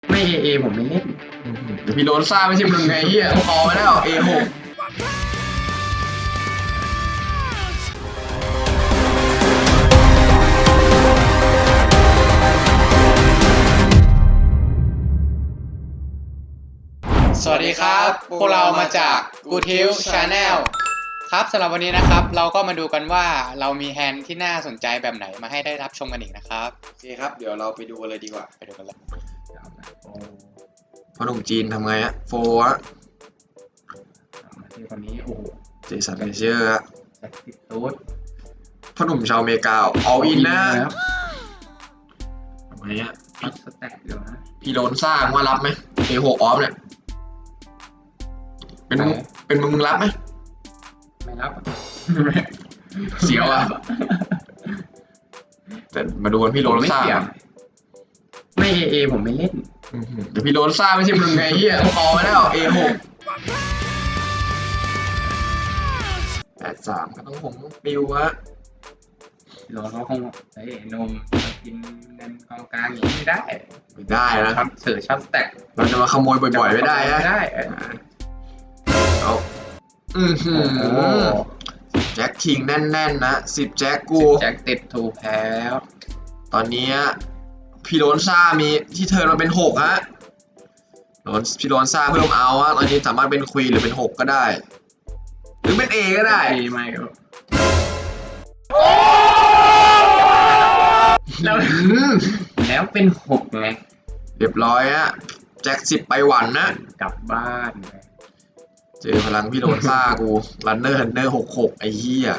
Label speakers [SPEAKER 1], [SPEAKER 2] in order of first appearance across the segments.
[SPEAKER 1] ไม่เอผมไม่เล่น
[SPEAKER 2] เดี๋ยวพี่โดนซ่าไม่ใช่มึงไงเฮียพอมาแล้ว A6
[SPEAKER 3] สวัสดีครับพวกเรามาจาก Good Health Channel ครับสำหรับวันนี้นะครับเราก็มาดูกันว่าเรามีแฮนด์ที่น่าสนใจแบบไหนมาให้ได้รับชมกันอีกนะครับ
[SPEAKER 2] โอเคครับเดี๋ยวเราไปดูกันเลยดีกว่า
[SPEAKER 3] ไปดูกันเลย
[SPEAKER 2] พ่อหนุ่มจีนทำไงอะโฟอะ
[SPEAKER 1] มาที่คนนี้โอ้โห
[SPEAKER 2] เจสันเมเจอร์อะ
[SPEAKER 1] แจ็คติดตูด
[SPEAKER 2] พ่อหนุ่มชาวอเมริกาเอาอินนะ
[SPEAKER 1] แล้ว
[SPEAKER 2] ทำไงอะ
[SPEAKER 1] พัดสแต็กเดี๋ยวนะ
[SPEAKER 2] พี่โดนซ่ามึงว่ารับไหม A6 ออฟเนี่ยเป็นมึงรับไหม
[SPEAKER 1] ไม่รับ
[SPEAKER 2] เสียวอะแต่มาดูกันพี่โดนซ่า
[SPEAKER 1] ไม่เอผมไม่เล่น
[SPEAKER 2] เดี๋ยวพี่โดนซ่าไม่ใช่มึงไงเฮียพอมาแล้ว A6 83ก็ต้องผมปิวอะ
[SPEAKER 1] รอเขาคงเฮ้ยนมกินเงินกองกลางอย่างนี้ไม่ได้
[SPEAKER 2] ไม่ได้นะ
[SPEAKER 1] ครับเสือช็อตสแต็ก
[SPEAKER 2] เราจะมาขโมยบ่อยๆไม่ได้นะ
[SPEAKER 1] ไม่ได้
[SPEAKER 2] เอา
[SPEAKER 1] โอ้โห
[SPEAKER 2] แจ็คคิงแน่นๆนะ10แจ็คกู
[SPEAKER 1] แจ็คติดถูกแพ้แล้ว
[SPEAKER 2] ตอนนี้พี่โดนซ่ามีที่เทิร์นมาเป็น6ฮะพี่โดนซ่าเพิ่มเอาฮะตอนนี้สามารถเป็นควีนหรือเป็น6ก็ได้ หรือเป็น A ก็ได้
[SPEAKER 1] ดีไหมครับแล้ว แล้วเป็น6ไง
[SPEAKER 2] เรียบร้อยฮะแจ็ค10ไปหวันนะ
[SPEAKER 1] กลับบ้านไง
[SPEAKER 2] เจอพลังพี่โดนซ่ากูรันเนอร์66ไอ้เหี้ย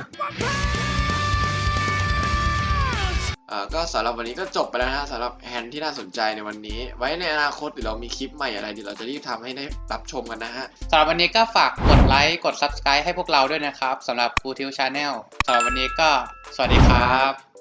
[SPEAKER 2] ก็สำหรับวันนี้ก็จบไปแล้วนะฮะสำหรับแฮนด์ที่น่าสนใจในวันนี้ ไว้ในอนาคตเดี๋ยวเรามีคลิปใหม่อะไรเดี๋ยวเราจะรีบทำให้ได้รับชมกันนะฮะ
[SPEAKER 3] สำหรับวันนี้ก็ฝากกดไลค์กด Subscribe ให้พวกเราด้วยนะครับสำหรับ Good Health Channel สำหรับวันนี้ก็สวัสดีครับ